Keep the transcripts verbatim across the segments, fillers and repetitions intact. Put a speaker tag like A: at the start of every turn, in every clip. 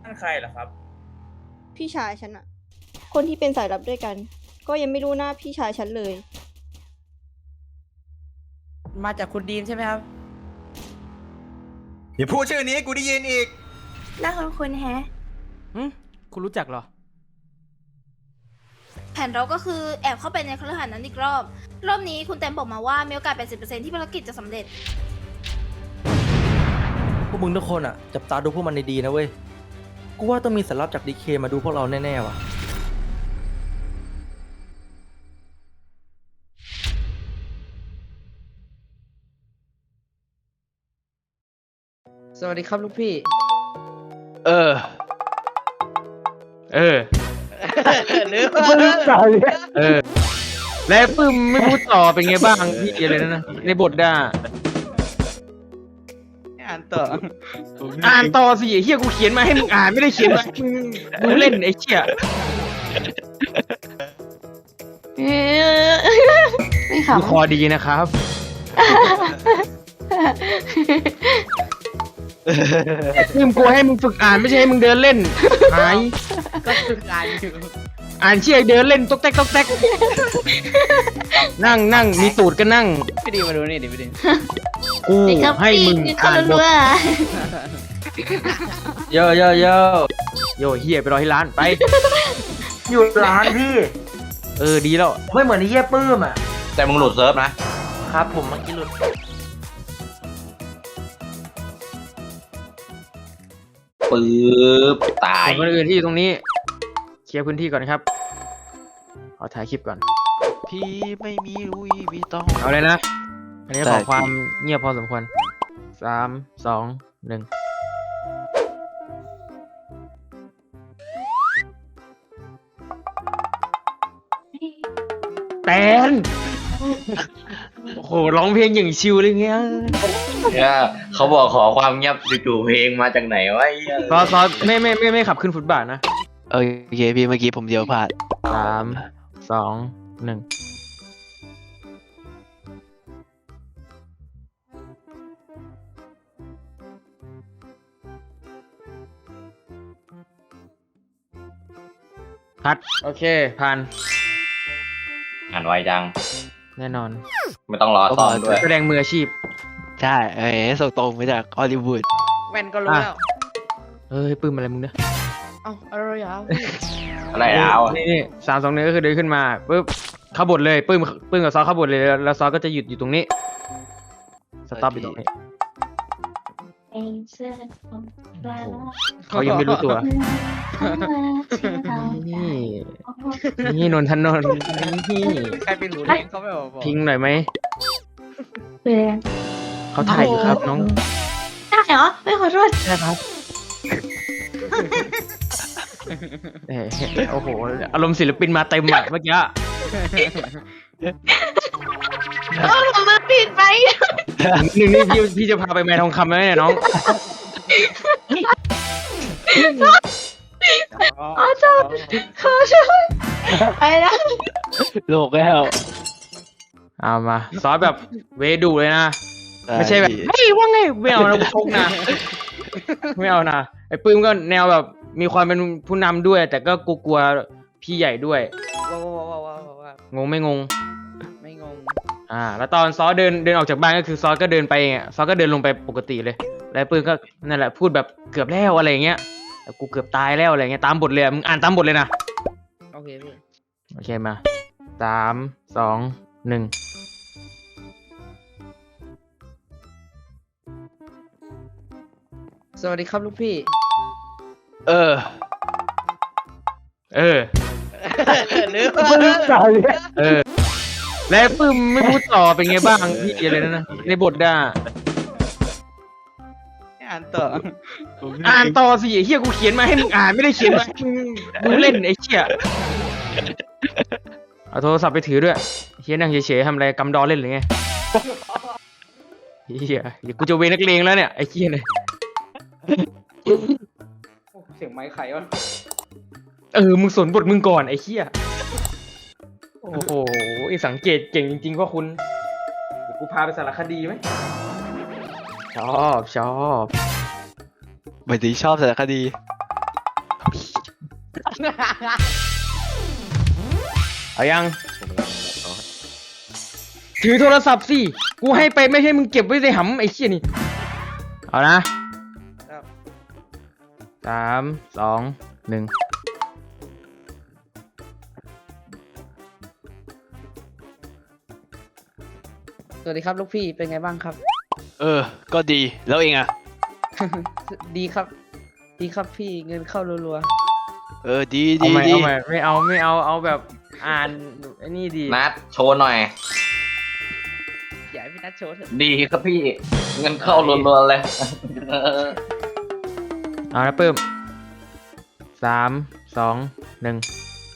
A: นั่นใครเหรอครับ
B: พี่ชายฉันอะคนที่เป็นสายลับด้วยกัน ก็ยังไม่รู้หน้าพี่ชายฉันเลย
C: มาจากคุณดีมใช่ไหมครับ
D: อย่าพูดชื่อนี้กูได้ยินอีก
E: น่าคุ้นคุ้นๆแฮะ
F: อืมคุณรู้จักเหรอ
E: แผนเราก็คือแอบเข้าไปในคฤหาสน์นั้นอีกรอบ รอบนี้คุณแตมบอกมาว่ามีโอกาส แปดสิบเปอร์เซ็นต์ ที่ภารกิจจะสำเร็จ
G: พวกมึงทุกคนอ่ะจับตาดูพวกมันดีๆนะเว้ย กูว่าต้องมีสารลับจากดีเคมาดูพวกเราแน่ๆว่ะ
C: สวัสดีครับลูกพี่
F: เออ เออ เออ แล้วปึ้มไม่พูดต่อเป็นไงบ้างพี่อะไรนั่นนะในบทด่า
C: อ่านต่อ
F: อ่านต่อสิไอ้เฮียกูเขียนมาให้มึงอ่านไม่ได้เขียนมาให้มึงดูเล่นไอ้เชี่ย
E: ไม่
F: กู
E: ขำ
F: คอดีนะครับปึ้มกูให้มึงฝึกอ่านไม่ใช่ให้มึงเดินเล่นหาย
C: ก็ฝึกอ่านอยู่
F: อ่านเชี่ยเดินเล่นต๊อกแต๊กต๊อกแต๊กนั่งนั่งมีตูดก็นั่ง
C: พี่ดีมาดูนี่ดิพี่ดี
F: กูให้มึงอ่านบทโยโยโยโยเฮียไปรอที่ร้านไป
G: อยู่ร้านพี่
F: เออดีแล้ว
G: ไม่เหมือนไอ้เหี้ยปื้มอ่ะ
D: แต่มึงหลุดเซิร์ฟนะ
G: ครับผมเมื่อกี้หลุด
D: ปื๊บ ตาย
F: คนอื่นที่อยู่ตรงนี้เคลียร์พื้นที่ก่อนครับขอถ่ายคลิปก่อน
H: พี่ไม่มีลุยวิตอง
F: เอาเลยนะ อันนี้
H: ได้
F: ขอความเงียบพอสมควรสามสองหนึ่งแตนโอ้โหร้องเพลงอย่างชิลเลยเงี้ย
D: เนี่ยเขาบอกขอความเงียบจู่ๆเพลงมาจากไหนวะไอ้เหี้ย
F: ซอซอไม่ไม่ไม่ไม่ขับขึ้นฟุตบาทนะ
H: โอเคพี่เมื่อกี้ผมเดียวพลาด
F: สามสองหนึ่งพัดโอเคผ่าน
D: อ่านไวจัง
F: แน่นอน
D: ไม่ต้องรอซ้อมด้วย
F: แสดงมืออาชีพ
H: ใช่เอ้ยส่งตรงมาจากฮอลลีวูด
C: แว่นก็รู้แล้ว
F: เฮ้ยปื้มอะไรมึงเนี่ย
C: เอ้าอะไรอ่ะ
D: อะไรแล้ว
F: นี่นี่สามสองหนึ่งก็คือเดินขึ้นมาปุ๊บเข้าบทเลยปื้มปื้มกับซอเข้าบทเลยแล้วซอก็จะหยุดอยู่ตรงนี้สต็อปอยู่ตรงนี้เขายังไม่รู้ตัว นี่นี่นนทนนท์นี่
C: ใครเป็นหูแดงเขาไม่บอกบอก
F: พิงหน่อยไหมเขาถ่ายอยู่ครับน้อง
E: ได้เหรอ ไม่ขอโทษ
F: ใช่ครับเอ้ยโอ้โหอารมณ์ศิลปินมาเต็มอ่ะเมื่อกี้
E: เอาผมมาปิดไป
F: หนึ่งนี่พี่พี่จะพาไปแม่ทองคำไหมเนี่ยน้อง
C: ขอโทษ
E: ขอโทษไปแล้ว
H: โลกแล้ว
F: เอามาซอสแบบเวดูเลยนะ ไม่ใช่แบบเฮ้ยว่าไงไม่เอานะกูชกนะ ไม่เอานะไอ้ปื้มก็แนวแบบมีความเป็นผู้นำด้วย แต่ก็กลัวๆพี่ใหญ่ด้วย
C: ว้าวว้าวว้าวว้าวว้าว
F: งงไม่งง
C: ไม่งง
F: อ่า แล้วตอนซอสเดินเดินออกจากบ้านก็คือซอสก็เดินไปเองอะซอสก็เดินลงไปปกติเลย แล้วปื้มก็นั่นแหละพูดแบบเกือบแล้วอะไรอย่างเงี้ยแต่กูเกือบตายแล้วอะไรเงี้ยตามบทเลยอะมึงอ่านตามบทเลยนะ
C: โอเคพี่
F: โอเคมาสามสองหนึ่ง
C: สวัสดีครับลูกพี่
H: เออ
F: เออ
C: หรือ
F: เออ แล้วปื้มไม่พูดต่อเป็นไงบ้างพี่อะไรนั่นนะในบทด่า
C: อ่านต่อ
F: อ่านต่อสิไอ้เฮียกูเขียนมาให้มึงอ่านไม่ได้เขียนมาให้มึงดูเล่นไอ้เชี่ยเอาโทรศัพท์ไปถือด้วยเฮียนั่งเฉยๆทำอะไรกำดอเล่นหรือไงเฮียเดี๋ยวกูจะเวรนักเลงแล้วเนี่ยไอ้เฮียเนี่ย
C: เสียงไม้ไข่วะ
F: เออมึงสนบทมึงก่อนไอ้เฮียโอ้โหไอ้สังเกตเก่งจริงๆพ่อคุณเดี๋ยวกูพาไปสารคดีไหมชอบชอบ
H: หมายถึงชอบสารคดี
F: เอายัง ถือโทรศัพท์สิ กูให้ไปไม่ใช่มึงเก็บไว้ในหำไอ้เชี่ยนี่ เอานะสามสองหนึ่ง
C: สวัสดีครับลูกพี่เป็นไงบ้างครับ
H: เออ ก็ดีแล้วเองอะ
C: ดีครับ ดีครับพี่เงินเข้ารัว
H: เออดี
F: เอา
H: ดี
F: ใหม่
H: ดี
F: เอาใหม่ไม่เอาไม่เอาเอาแบบอ่านไอ้นี่ดี
D: นัดโชว์หน่อย
C: ๆอย่าให้พี่นัทโชว์เถอะ
D: ดีครับพี่ เงินเข้ารัวๆเลย
F: เอานะเพิ่มสามสองหนึ่ง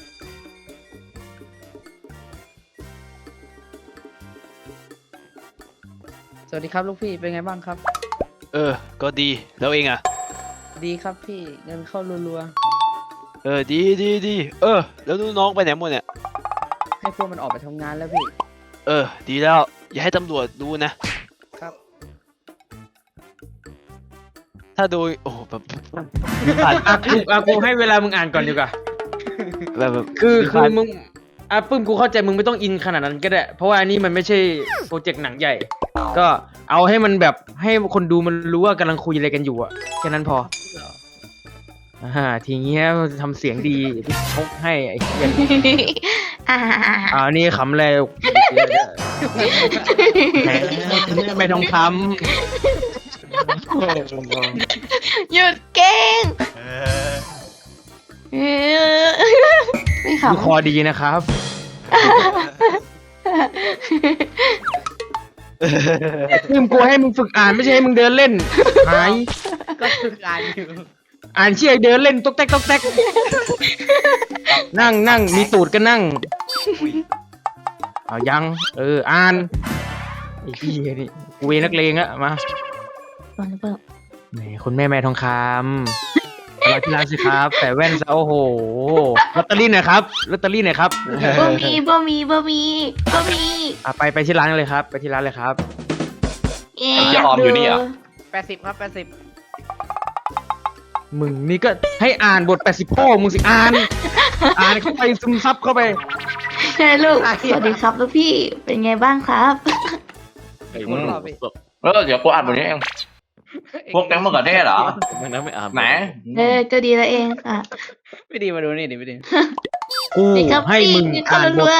C: สวัสดีครับลูกพี่เป็นไงบ้างครับ
H: เออ ก็ดีแล้วเองอะ
C: ดีครับพี่เงินเข้ารัว
H: เออดีดีดีเออ แล้วลูกน้องไปไหนหมดเนี่ย
C: ๆให้พวกมันออกไปทำงานแล้วพี่
H: เออ ดีแล้วอย่าให้ตำรวจรู้นะ
C: ครับ
H: ถ้าโดยโอ้โหแบบมีผ่าน
F: อ่ะกูอ่ะกูให้เวลามึงอ่านก่อนดีกว่า
H: แบบแบบ
F: คือ
H: มี
F: คือ
H: ผ่าน
F: มึงอ่ะปึ้มกูเข้าใจมึงไม่ต้องอินขนาดนั้นก็ได้ เพราะว่าอันนี้มันไม่ใช่โปรเจกต์หนังใหญ่ ก็เอาให้มันแบบให้คนดูมันรู้ว่ากำลังคุยอะไรกันอยู่อะแค่นั้นพออ่าทีเงี้ยทำเสียงดีที่ชกให้ไอ้เหี้ย
E: อ่า
F: อ่านี่ขำแล้วแหมไม่ทองค
E: หยุดเก่งเออไม่
F: ำดู
E: ขำ
F: คอดีนะครับปึ้มกูให้มึงฝึกอ่านไม่ใช่ให้มึงเดินเล่นหาย
C: ก็คือการอยู่
F: อ่านเชี่ยเดินเล่นต๊อกแต๊กต๊อกแต๊กนั่งนั่งมีตูดก็นั่งเอายัง เอออ่านไอ้พี่นี่กูเวนักเลงอะมาแหมคุณแม่แม่ทองคำเราที่ร้านสิครับแต่แว่นซะโอ้โหลอตเตอรี่หน่อยครับลอตเตอรี่หน่อยครับ
E: บ่มีบ่มีบ่มีบ่มี
F: อ่ะไปไปที่ร้านเลยครับ ไปที่ร้านเลยครับ
E: เอ๊
D: ไอ้เหี้ยออมอยู่นี่เหรอ
C: แปดสิบครับแปดสิบ
F: มึงนี่ก็ให้อ่านบทแปดสิบพ่อมึงสิอ่าน อ่านเข้าไปซึมซับเข้าไป
E: ใช่ลูก สวัสดีครับลูกพี่ เป็นไงบ้างครับ
C: คนรอบพี่
D: เออเดี๋ยวกูอ่านบทนี้เอง พวกแก๊งมะเขือเทศเหรอ
H: มันนั้นไม่อ่าน
D: ไหน
E: เออ ก็ดีแล้วเองค่ะ
C: ไม่ดีมาดูนี่ดิไม่ดี
F: กู
E: ดีครับ
F: ให้
E: พี่
F: มึง
E: เงินเข้า
F: อ่านบ
E: รั
F: ท
E: ว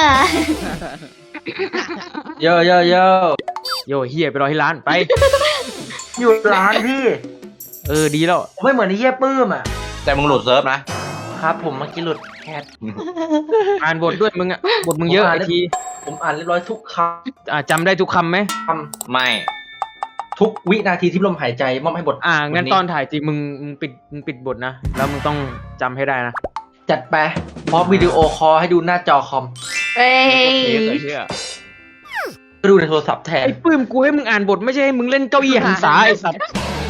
D: เยอะเยอะเยอะ
F: โยเฮียไปรอที่ร้านไป
A: อยู่ร้านพี่
F: เออดีแล้ว
A: ไม่เหมือนไอ้เหี้ยปื้มอ่ะ
D: แต่มึงหลุดเซิร์ฟนะ
A: ครับ ผมเมื่อกี้หลุดแคท
F: อ่านบทด้วยมึงอะบทมึงเยอะ
A: ผมอ่าน
F: ไอที
A: ผมอ่านเรียบร้อยทุกค
F: อ่าจำได้ทุกคำไหม
A: ำค
D: ไม่
A: ำทุกวินาทีที่ลมหายใจมอบให้บท
F: อ่างั้น
A: บท
F: ตอนถ่ายจริงมึงมึงปิดมึงปิดบทนะแล้วมึงต้องจำให้ได้นะ
A: จัดไปพร้อมวิดีโอคอลให้ดูหน้าจอคอม
E: ๆเอ้ย
A: ก็ดูในโทรศัพท์แทน
F: ไอ้ปื้มกูให้มึงอ่านบทไม่ใช่ให้มึงเล่นเก้าอี้หันษาไอ้สัตว์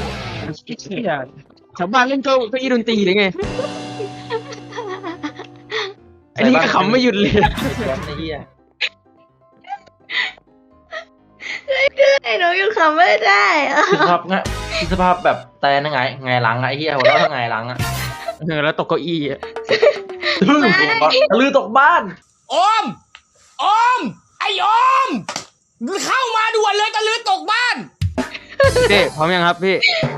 F: ชาวบ้านเล่นเก้าเก้าอี้ดนตรีหรือไงไอ้นี่ก็ขำไม่หยุดเลย
A: ไอ้เหี้ย
E: ไอ้หนูยังขำไม่ได้อะ
A: คิดสภาพงะคิดสภาพแบบแต่ยังไงไงหลังอะไอ้เหี้ยหัวเราะทั้งไงหลังอะ
F: เออแล้วตกเก้าอี้อะ
A: ลื่นตะลือตกบ้าน
I: โอม โอม ไอโอม เข้ามาด่วนเลยตะลือตกบ้าน
F: เต้พร้อมยังครับพี่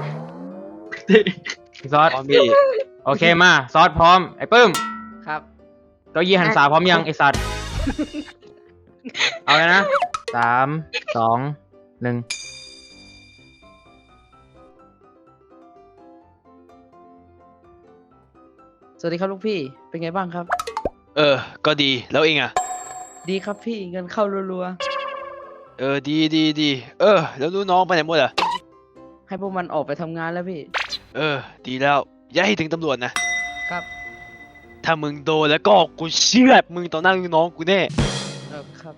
F: พี่ซอส
H: พร้อมพี่
F: โอเคมาซอสพร้อมไอ้ปื้ม
C: ครับ
F: เก้าอี้หันษาพร้อมยังไอ้สัตว์เอาเลยนะสามสองหนึ่ง
C: สวัสดีครับลูกพี่เป็นไงบ้างครับ
H: เออ ก็ดีแล้วเองอะ
C: ดีครับพี่เงินเข้ารัว
H: เออดีดีดีเออ แล้วลูกน้องไปไหนหมดอะ
C: ๆให้พวกมันออกไปทำงานแล้วพี่
H: เออ ดีแล้วอย่าให้ถึงตำรวจนะครับ ถ้ามึงโดนแล้วก็กูเชื่อดมึงต่อหน้าลูกน้องกูแน่
C: เออครับ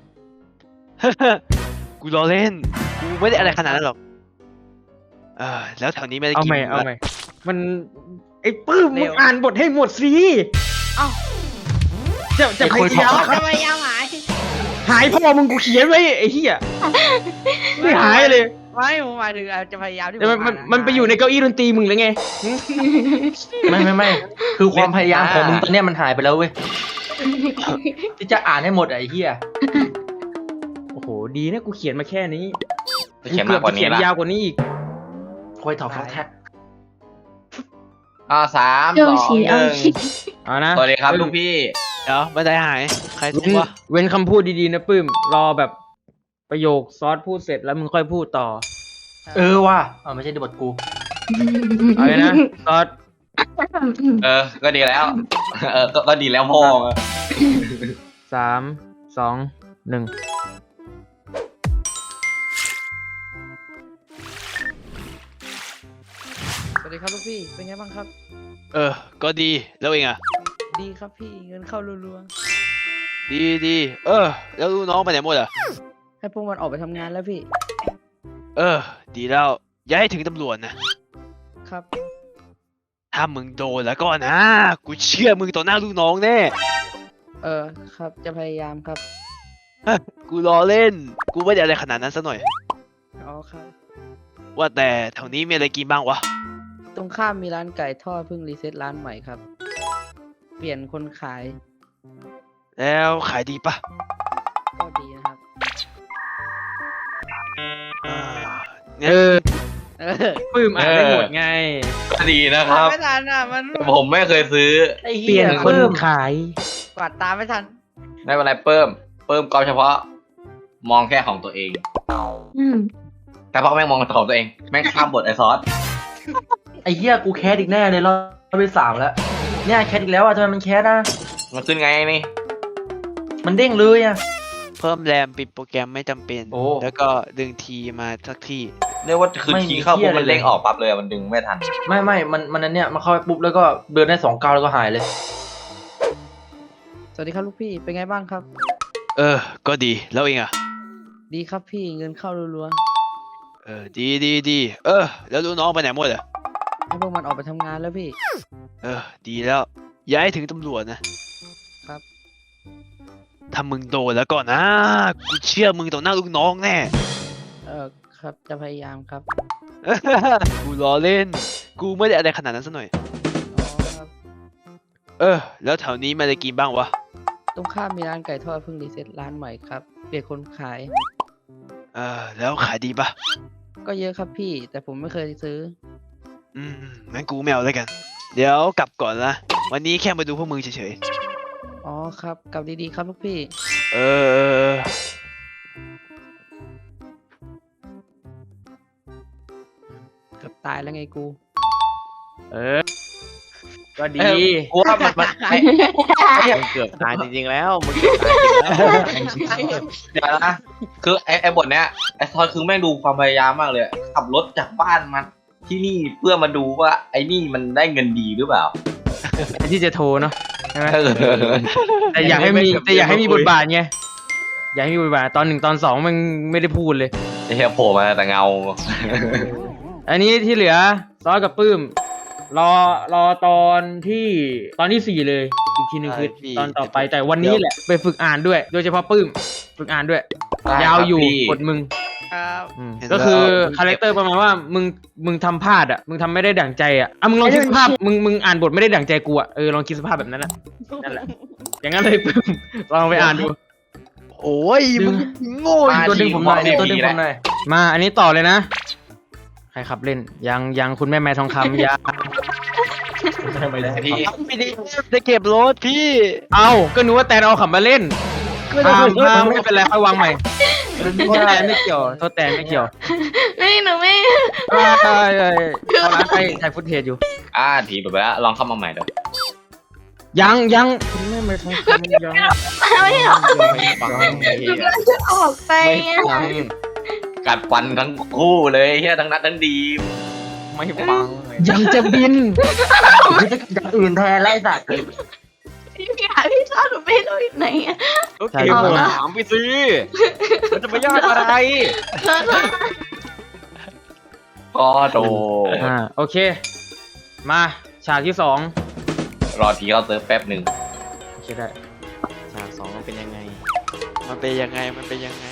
H: กูรอเล่น กูไม่ได้อะไรขนาดนั้นหรอก เออ แล้วแถวนี้ไม่ได้
F: เอา
H: กิน
F: ใหม่
H: หมู
F: เอา
H: ละ
F: ใหม่มันไอ้ปื้ม
C: เร็
F: มึ
C: ว
F: งอ่านบทให้หมดสิ
C: เอ้า
F: จะจะพยายาม
C: ทำไมยาวหาย
F: หายพ่อมึงกูเขียนไว้ไอ้เหี้ยไม่หายเลย
C: ไม่ผมหมายถึงอาจจะพยายามที่
F: แต่มัน
C: ผ
F: มัน
C: อ่า
F: มันไปอยู่ในเก้าอี้ดนตรีมึงหรือไง
A: ไม่ไม่ไม่คือความพยายามของมึงตอนเนี้ยมันหายไปแล้วเว้ยที่จะอ่านให้หมดอะไอ้เหี้ย
F: โอ้โหดีนะกูเขียนมาแค่นี้
D: จะเขียนมากกว่า
F: เขี
D: นี้
F: ยน
D: ละ
F: ยาวกว่านี้อีก
A: คอยถอดฟอกแท็ก
D: อ่าสาม
J: โย
D: สอง
J: ชิ
D: ห
J: เอา
D: นึ่ง
J: ชิ
F: เอานะ
D: สวัสดีครับลูกพี่
H: เดี๋ยวบันไดหาย ใครทุบ
F: เว้น
H: วะ
F: เว้นคำพูดดีๆนะปื้ม รอแบบประโยคซอสพูดเสร็จแล้วมึงค่อยพูดต่อ
A: เออว่ะอ๋อไม่ใช่บทกู
F: เอาเลยนะซอส
D: เออ ก็ดีแล้ว เออ ก็ก็ดีแล้วพ่อ
F: สามสองหนึ่ง
C: สวัสดีครับลูกพี่เป็นไงบ้างครับ
H: เออ ก็ดี แล้วเองอ่ะ
C: ดีครับพี่เงินเข้ารัว
H: ดีดีเออ แล้วลูกน้องไปไหนหมดอ่ะ
C: ๆให้พวกมันออกไปทำงานแล้วพี่
H: เออ ดีแล้ว อย่าให้ถึงตำรวจนะ
C: ครับ
H: ถ้ามึงโดนแล้วก็นะ กูเชื่อมึงต่อหน้าลูกน้องแน่
C: เออครับจะพยายามครับ
H: กูรอเล่น กูไม่ได้อะไรขนาดนั้นซะหน่อย
C: อ๋อครับ
H: ว่าแต่แถวนี้มีอะไรกินบ้างวะ
C: ตรงข้ามมีร้านไก่ทอดเพิ่งรีเซ็ตร้านใหม่ครับ เปลี่ยนคนขาย
H: แล้วขายดีปะ
C: ก็ดีนะครับ
H: อ่า
F: เออ
C: เออ
F: ปื้มอ่านได้หมดไง
D: ก็ดีนะครับ
C: ไม่ทันอ่ะมัน
D: แต่ผมไม่เคยซื้อ
A: ไอ้
F: เปลี่
A: เหี้
F: ย
A: ย
F: นคน
A: เพิ่ม
F: ขาย
C: กวาดตามไม่ทัน
D: ไม่เป็นไรเพิ่ม เพิ่มก็เฉพาะ มองแค่ของตัวเอง
J: อืม
D: แต่พอแม่งมองของตัวเอง แม่งข้ามบทไอซอส
A: ไอ้เหี้ยกูแคสอีกแน่เลยรอบที่สามแล้วเนี่ยแคสอีกแล้วอ่ะทำไมมันแคสอ่ะ
D: มันขึ้นไงนี่
A: มันเด้งเลยอ่ะ
H: เพิ่มแรมปิดโปรแกรมไม่จำเป็น
A: โอ้
H: แล้วก็ดึงทีมาสักที่
D: เรียกว่าคืน
A: ไม่
D: คี
A: มี
D: ย์เข้า
A: เหี้
D: ปุ๊
A: ย
D: บมัน
A: เลย
D: เด้งออกปั๊บเลยอะมันดึงไม่ทัน
A: ไม่ไม่มันมันอันเนี้ยมันเข้าไปปุ๊บแล้วก็เดินได้สองก้าวแล้วก็หายเลย
C: สวัสดีครับลูกพี่เป็นไงบ้างครับ
H: เออ ก็ดี แล้วเองอ่ะ
C: ดีครับพี่เงินเข้ารัว
H: เออ ดีดีดี เออ แล้วลูกน้องไปไหนหมดอ่ะ
C: ๆให้พวกมันออกไปทำงานแล้วพี่
H: เออ ดีแล้ว อย่าให้ถึงตำรวจนะ
C: ครับ
H: ถ้ามึงโดนแล้วก็นะ กูเชื่อมึงต่อหน้าลูกน้องแน่
C: เออครับจะพยายามครับ
H: กูล้อเล่น กูไม่ได้อะไรขนาดนั้นซะหน่อย
C: อ๋อครับ
H: เออ แล้วแถวนี้มีอะไรกินบ้างวะ
C: ตรงข้ามมีร้านไก่ทอดเพิ่งรีเซ็ตร้านใหม่ครับ เปลี่ยนคนขาย
H: เออ แล้วขายดีปะ
C: ก็เยอะครับพี่ แต่ผมไม่เคยซื้อ
H: อืมงั้นกูไม่เอาแล้วกัน เดี๋ยวกลับก่อนนะ วันนี้แค่มาดูพวกมึงเฉย
C: อ๋อครับกลับดีๆครับลูกพี่
H: ๆ เออเออเออ
C: เกือบตายแล้วไงกู
F: เออ ก็ดี
D: เออกูว่ามันมันไอ้
G: มึงเกือบตายจริงๆแล้วมึงเกือบตายจริงแล้ว
D: เดี๋ยวนะ คือไอ้ไอ้บทเนี้ยไอ้ซอสคือแม่งดูความพยายามมากเลยอะขับรถจากบ้านมาที่นี่เพื่อมาดูว่าไอ้นี่มันได้เงินดีหรือเปล่า
F: ที่จะโทรเนาะใช่ไหม
D: เออ
F: แต่อยากให้มีแต่อยากให้มีบทบาทไง อยากให้มีบทบาทตอนหนึ่งตอนสองมันไม่ได้พูดเลย
D: ไอ้เหี้ยโผล่มาแต่เงา
F: อันนี้ที่เหลือซอสกับปื้ม รอรอตอนที่ตอนที่สี่เลย อีกทีหนึ่งคือตอนต่อไปแต่วันนี้แหละไปฝึกอ่านด้วย โดยเฉพาะปื้ม ฝึกอ่านด้วย
D: ได้
F: ยาวอยู่
D: ครับพี่
F: กดมึง
C: ครับ
F: อืมก็คือคาแรคเตอร์ประมาณว่ามึงมึงทำพลาดอ่ะมึงทำไม่ได้ดั่งใจอ่ะอ่ะมึงลองคิดสภาพมึงมึงอ่านบทไม่ได้ดั่งใจกูอ่ะเออลองคิดสภาพแบบนั้นอ่ะนั่นแหละอย่างนั้นเลยปื้มลองไปอ่านดู
H: โอ้ยมึงโง่
A: มาตัวดึงผมหน่อยตัวดึงผมหน่อย
F: มาอันนี้ต่อเลยนะ ใครขับเล่น ยังยังคุณแม่แม่ทองคำยัง
A: ไม่ได้
D: พี่
H: ไม่ได้จะเก็บรถพี่
F: เอาก็นึกว่าแตนเอาขับมาเล่นมามาไม่เป็นไรค่อยวางใหม่โทษแตนไม่เกี่ยวโทษแตนไม่เกี่ยว
J: ไม่หนูไม่
F: เอ้ยเอ้ยเอ้ยเอาร้านไปถ่ายฟุตเทจอยู่
D: อ่าทีแบบว่าลองเข้ามาใหม่เดี๋ยว
F: ยังยังคุณแม่แม่ทองคำยัง
J: ไม่หรอก
D: ฟัง
J: หนูกำลังจะออกไปไง
D: ฟังกัดฟันทั้งคู่เลยเฮียทั้งนัดทั้งดี
A: ไม่ฟัง
F: ยังจะบิน
A: กูจะอย่างอื่นแทนไล่สัตว์
J: พี่พี่หาพี่ชอบหนูไม่รู้อยู่ไหนอะ
G: โอเคผมถามไปสิมันจะไปยากอะไร
J: แล้วก็
D: ก็โด
F: อ่าโอเค มาฉากที่สอง
D: รอทีเขาเซิร์ฟแป๊บหนึ่ง
F: โอเคได้
G: ฉากสองมันเป็นยังไง
H: มันเป็นยังไง มันเป็นยังไง